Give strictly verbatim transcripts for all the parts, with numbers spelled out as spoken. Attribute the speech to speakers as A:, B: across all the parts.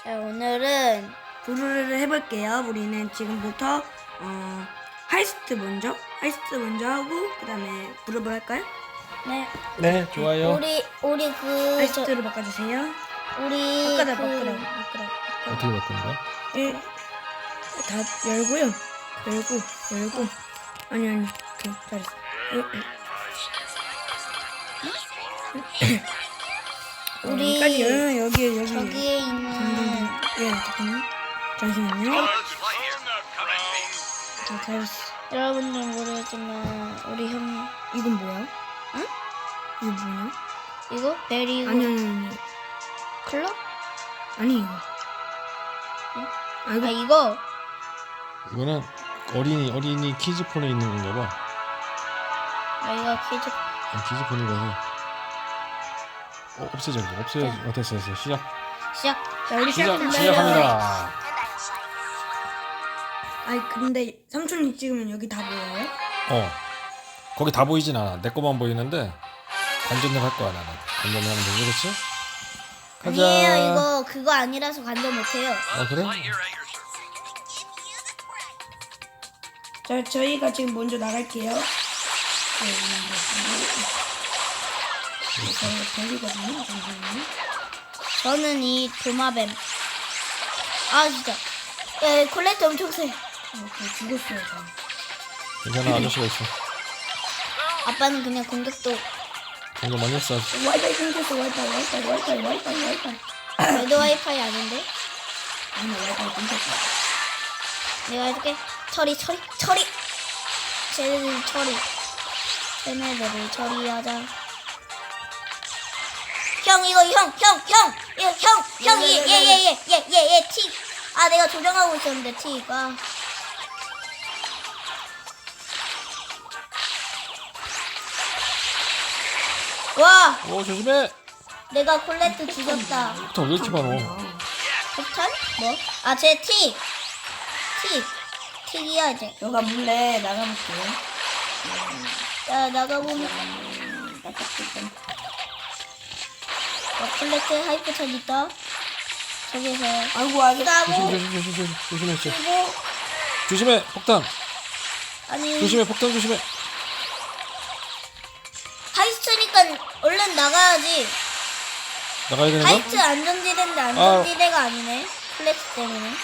A: 자, 오늘은
B: 부르르를 해볼게요. 우리는 지금부터 어, 하이스트 먼저, 하이스트 먼저 하고 그 다음에 부르르 할까요?
A: 네
C: 네, 좋아요.
A: 우리 우리 그 저,
B: 하이스트로 바꿔주세요.
A: 우리
B: 바꿔라,
A: 그
B: 바꿔라, 바꿔라.
C: 어떻게 바꾸는 거야?
B: 예, 다 열고요. 열고, 열고. 아니 아니, 오케이, 잘했어.
A: 우리
B: 여기까지 열면 여기 여기.
A: 저기에 있는
B: 예, 잠깐만. 잠시만요. 자, 잘했어.
A: 여러분들 모르겠지만 우리 형
B: 이건 뭐야?
A: 응?
B: 이거 뭐야?
A: 이거 베리고
B: 아니 아니 아니.
A: 클럽?
B: 아니 이거.
A: 응?
B: 아
A: 아
B: 이거
A: 이거
C: 이거는 어린이 어린이 키즈폰에 있는 건가 봐.
A: 아 이거 키즈
C: 아, 키즈폰이라서. 어, 없애자 이거. 없애야지. 어, 됐어 됐어. 시작.
A: 시작.
B: 자 우리
C: 시작
B: 시작합니다.
C: 시작합니다.
B: 아니 근데 삼촌이 찍으면 여기 다 보여요?
C: 어. 거기 다 보이진 않아. 내 거만 보이는데 관전을 할 거야 나는. 관전을 하면 되지, 그렇지? 가자.
A: 아니에요 이거 그거 아니라서 관전 못해요.
C: 아 그래?
B: 자 저희가 지금 먼저 나갈게요. 저희가 걸리거든요. 잠시만요.
A: 저는 이 도마뱀. 아 진짜. 야 콜렉트 엄청 세.
B: 어, 저 죽었어요 저.
C: 괜찮아 아저씨가 있어.
A: 아빠는 그냥 공격도
C: 이거 많이 했어.
B: 와이파이 끊겼어. 와이파이 와이파이 와이파이 와이파이 와이파이.
A: 레드 와이파이 아닌데?
B: 아니 와이파이 끊겼어.
A: 내가 해줄게. 처리 처리 처리. 쟤네들 처리. 쟤네들을 처리하자. 형 이거 형 형 형 이거 형 형이 얘얘얘얘얘얘 티. 아 내가 조정하고 있었는데 티가. 와
C: 오 조심해.
A: 내가 콜레트 죽였다.
C: 폭탄 왜 이렇게 많어?
A: 폭탄? 뭐? 아 쟤 티. 티. 틱이야 이제.
B: 저가 몰래 나가볼게요.
A: 자 나가보면 어, 콜레트 하이퍼찬 있다. 저기서
B: 아이고 아이고.
C: 조심
A: 싸고
C: 조심 조심 조심 조심해 조심.
A: 그리고
C: 조심해 폭탄.
A: 아니
C: 조심해 폭탄 조심해.
A: 하이스트니까 얼른 나가야지.
C: 나가야 되는 거야?
A: 하이트 안전지대인데 안전지대가 아니네. 플렉스 때문에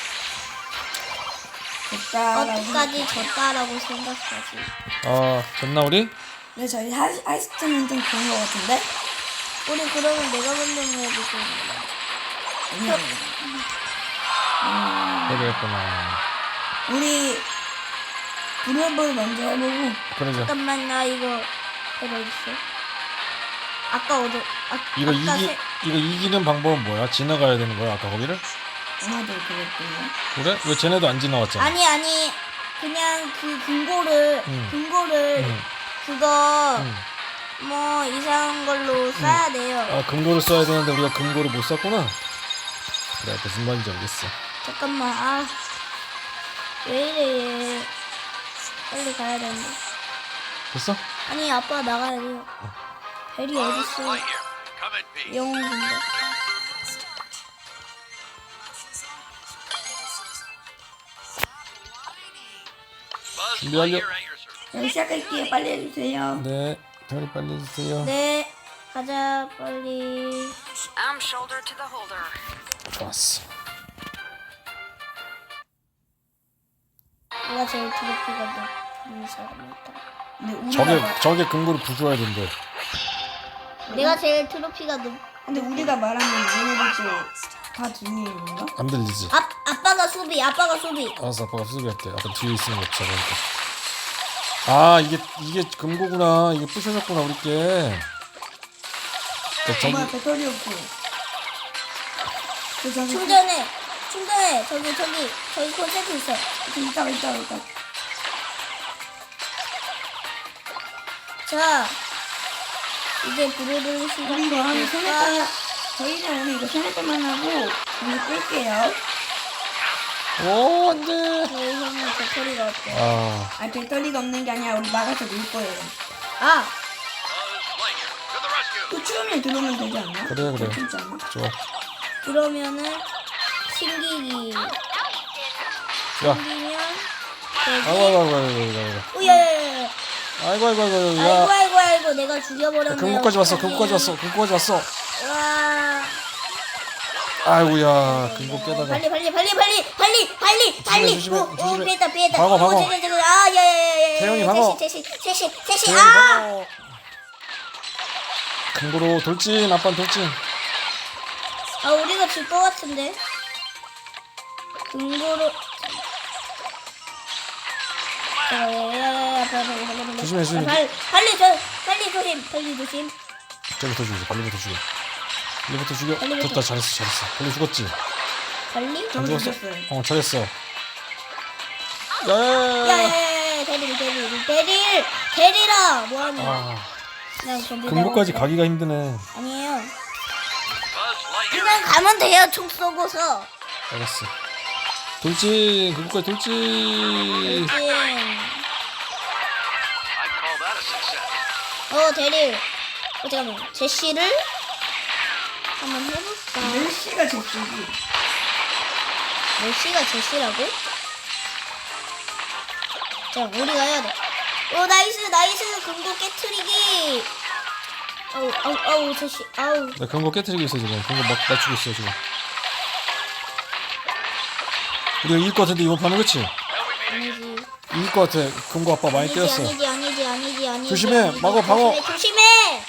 B: 됐다.
A: 어디까지 졌다라고 생각하지.
C: 아 졌나 우리?
B: 네 저희 하이, 하이스트는 좀 그런 것 같은데?
A: 우리 그러면 내가 먼저 해야지.
B: 아니요.
C: 해야겠구나.
B: 우리 부르르 먼저 해보고.
C: 그러자.
A: 잠깐만 나 이거 이거 있어. 아까 어디 아,
C: 이거
A: 아까
C: 이기
A: 세-
C: 이거 이기는 방법은 뭐야? 지나가야 되는 거야 아까 거기를?
B: 아마도 그랬군요.
C: 그래? 왜 쟤네도 안 지나왔잖아.
A: 아니 아니 그냥 그 금고를
C: 응.
A: 금고를
C: 응.
A: 그거
C: 응.
A: 뭐 이상한 걸로 써야 돼요.
C: 아 금고를 써야 되는데 우리가 금고를 못 썼구나. 그래 무슨 말인지 알겠어.
A: 잠깐만 아 왜 이래 얘. 빨리 가야 되는데.
C: 됐어?
A: 아니 아빠 나가야 돼요. 벨이 어딨어? 영웅인데.
C: 준비 완료.
B: 자 시작할게요. 빨리 해주세요.
C: 네. 다리 빨리 해주세요.
A: 네 가자 빨리.
D: I'm shoulder to the holder.
C: 좋았어.
A: 누가 제일 트로피가 높은 사람이다.
B: 근데 우리가
C: 저게
B: 말-
C: 저게 금고를 부숴야 된대.
A: 내가 제일 트로피가 높.
B: 근데 우리가 말하면 얘네들도 다 들리는 건가?
C: 안 들리지?
A: 아 아빠가 수비 아빠가 수비.
C: 알았어 아빠가 수비할게. 아빠 뒤에 있으면 없어 그러니까. 아 이게 이게 금고구나. 이게 부셔졌구나 우리 게. 그러니까
B: 엄마
C: 저기
B: 배터리 없고. 저 저기
A: 충전해 충전해 저기 저기 저기 콘센트 있어.
B: 저기 있다가 있다가 있다가.
A: 자 이제 부르르
B: 우리 이거 한 세네
A: 시작할까?
B: 번. 저희는 오늘 이거 세네 번만 하고 이거 끌게요.
C: 오 안돼.
A: 저희 형은 배터리가 없대.
C: 아
B: 아 배터리가 없는 게 아니라 우리 나가서 놀 거예요.
A: 아
B: 또 추우면 들어오면 되지 않나?
C: 그래, 그래.
B: 괜찮지 않아?
C: 좋아.
A: 그러면은 튕기기.
C: 야,
A: 튕기면
C: 아이고
A: 되지.
C: 아이고 아이고 아이고 아이고
A: 오야야야야.
C: 아이고 아이고 아이고
A: 아이고
C: 야,
A: 아이고 아이고 내가
C: 야
A: 죽여버렸네.
C: 금고까지 왔어 금고까지 왔어 금고까지 왔어.
A: 와.
C: 아이고야 금고 깨다가.
A: 빨리 빨리 빨리 빨리 빨리 빨리 빨리.
C: 조심해,
A: 오, 오,
C: 조심해.
A: 피했다 피했다.
C: 방어, 방어.
A: 오, 저거, 저거. 아, 야야야야.
C: 태영이 방어.
A: 셋이 셋이 셋이 셋이.
C: 태영이
A: 아.
C: 방어. 금고로 돌진 아빠 돌진.
A: 아 우리가 질 것 같은데. 금고로.
C: 조심해, 조심해.
A: 빨리 빨리 저 빨리 조심 빨리 조심.
C: 저기부터 죽이자 빨리부터 죽여. 빨리부터 죽여.
A: 빨리부터.
C: 됐다 잘했어 잘했어. 빨리 죽었지.
A: 빨리.
C: 안
B: 저도
C: 죽었어?
B: 죽였어요.
C: 어 잘했어. 야야야야.
A: 야야야야 대릴 대릴 대릴 대릴아 뭐하냐.
C: 아
A: 난 근데
C: 금고까지
A: 내가-
C: 가기가 힘드네.
A: 아니에요. 그냥 가면 돼요 총 쏘고서.
C: 알았어. 돌진 금고까지 돌진.
A: 음.
E: I'd call that a success.
A: 어 대릴. 어 잠깐만 제시를 한번 해볼까.
B: 멜시가 제시지.
A: 메시가 제시라고? 자 우리가 해야 돼. 오 나이스 나이스 금고 깨트리기. 아우 아우 아우 제시 아우.
C: 나 금고 깨트리고 있어 지금. 금고 막 맞추고 있어 지금. 우리가 이길 것 같은데 이번 판은 그치?
A: 아니지.
C: 이길 것 같아. 금고 아빠 많이
A: 아니지
C: 때렸어.
A: 아니지 아니지 아니지 아니지.
C: 조심해,
A: 아니지.
C: 막어, 방어.
A: 조심해 조심해.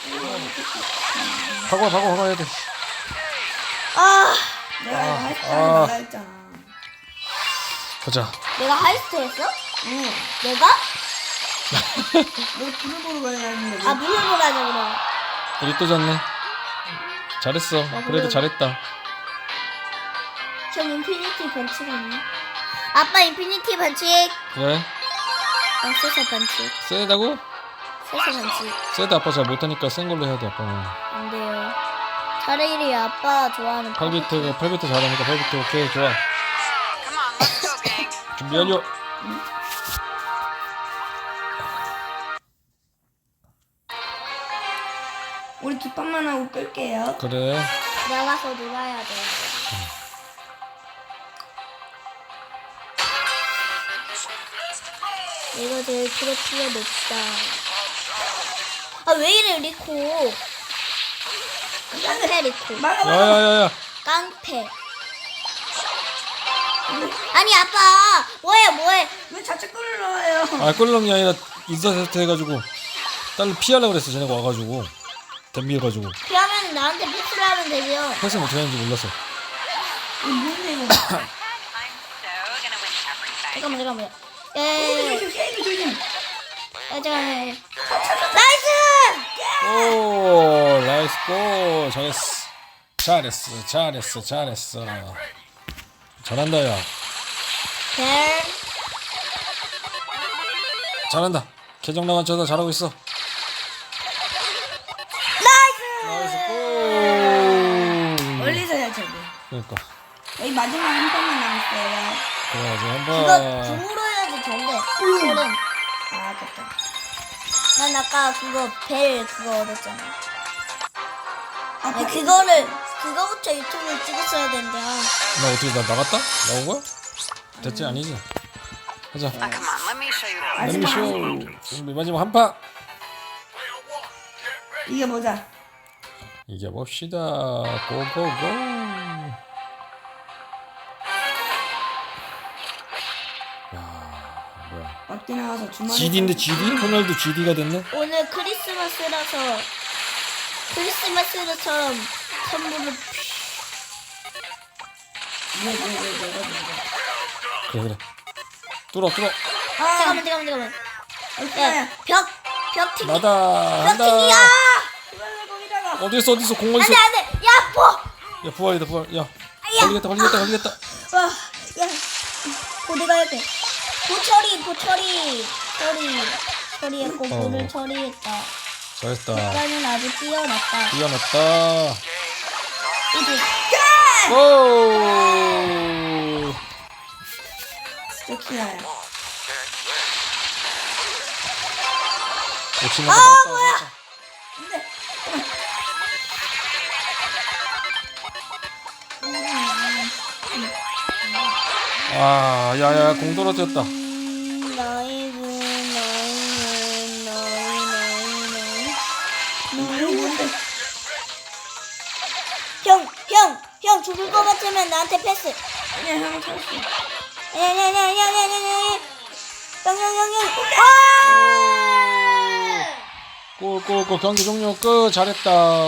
C: 박아 박아 박아야 돼.
A: 아
B: 내가
C: 아,
B: 하이스트
C: 아.
B: 말라 했잖아.
C: 가자.
A: 내가 하이스트 했어?
B: 응.
A: 내가?
B: 너 불을 보러 가야 하는데.
A: 아 물을 보라자 그럼.
C: 우리 또 졌네. 잘했어. 그래도
A: 그래도-
C: 잘했다.
A: 전 인피니티 반칙 아니야? 아빠 인피니티 반칙.
C: 그래?
A: 난 세서 반칙.
C: 세다고?
A: 세서 반칙.
C: 세다 아빠 잘 못하니까 센 걸로 해야 돼 아빠는.
A: 안 돼요. 차라리 아빠 좋아하는
C: 팔 비트 팔 비트 잘하니까 팔 비트 오케이 좋아.
D: Come on, let's go, gang.
C: 준비 완료.
B: 우리 두 판만 하고 끌게요.
C: 그래.
A: 나가서 놀아야 돼. 내가 제일 트로피가 높다. 아 왜 이래 리코? 깡패 리코.
B: 막아 막아.
C: 야야야야.
A: 깡패. 아니 아빠 뭐해 뭐해?
B: 왜 자체 끌을 넣어요?
C: 아 끌렁이 아니라 인사세트 해가지고 딸을 피하려고 그랬어. 쟤네가 와가지고 덤비해가지고
A: 그러면 나한테 패스를 하면 되죠.
C: 패스는 어떻게 하는지 몰랐어.
B: 이거 뭔데 이거?
D: I'm so gonna win everything.
A: 잠깐만 잠깐만. 예.
B: 게임 조심 게임 조심.
A: 아, 잠깐만. 나이스!
C: 오 나이스 골 잘했어. 잘했어 잘했어 잘했어. 잘한다 야.
A: 벨.
C: 잘한다. 계정 나간 쳐다 잘하고 있어.
A: 나이스!
C: 나이스 골.
B: 멀리서 해야 돼.
C: 그러니까
B: 여기 마지막 한 판만 남았어요.
C: 그래가지고
A: 이거
C: 한번
A: 궁으로 해야지 된대. 골은.
B: 아 아깝다.
A: 난 아까 그거 벨 그거 얻었잖아.
B: 아
A: 아니 그거를 그거부터 유튜브에 찍었어야 된대. 아.
C: 나 어떻게 나 나갔다? 나온 거야? 됐지 아니지? 하자.
D: Ah, come on, let me show you the
C: 랜미쇼 준비 마지막 한 판.
B: 이게 보자.
C: 이겨봅시다. 고고고. 야 뭐야?
B: 막디 나와서 주말에.
C: 지디인데 지디? 호날두 지디가 됐네?
A: 오늘 크리스마스라서 크리스마스처럼 선물을
B: 왜왜왜왜
C: 그래 그래. 뚫어 뚫어.
B: 아
A: 잠깐만 잠깐만 잠깐만.
B: 어디야?
A: 야, 벽, 벽 튀기.
C: 나다
A: 벽
C: 한다.
A: 튀기야!
B: 그걸 거기다가.
C: 어디 있어 어디 있어 공 어디 있어?
A: 안돼 안돼. 야, 뭐?
C: 야 부활이다 부활. 야 걸리겠다 걸리겠다 걸리겠다.
A: 와, 야, 어, 내가 할게. 보처리, 보처리, 처리, 처리했고
C: 어.
A: 물을 처리했다.
C: 잘했다.
A: 나는 아주 뛰어났다.
C: 뛰어났다.
A: 이제
C: 오.
B: 좋기나요.
C: 역시
A: 아
C: 나갔다.
A: 뭐야?
B: 근데
C: 아, 야야, 공 떨어졌다.
A: 음, 나이스 나이스 나이 나이 나이 나이. 형, 형, 형 죽을 것 같으면 나한테 패스.
B: 아니야 형 쳤어.
A: 아니 아니 아니 아니 아니 아니 아니. 형, 형, 형, 형. 아!
C: 골골골 경기 종료 끝. 잘했다.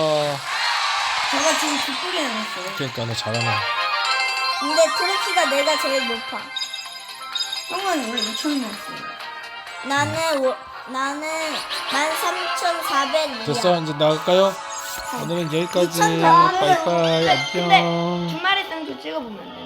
B: 제가 지금 뒷골이 나왔어요.
C: 그러니까 너 잘하네.
A: 근데 트로피가 내가 제일 높아.
B: 형은 원래 이천 나왔어요.
A: 나는 워, 나는 만 삼천사백이야.
C: 됐어, 이제 나갈까요? 오늘은 여기까지.
A: 이천사백.
C: 빠이빠이.
B: 근데
C: 안녕.
B: 주말에 땡도 찍어보면 안 돼.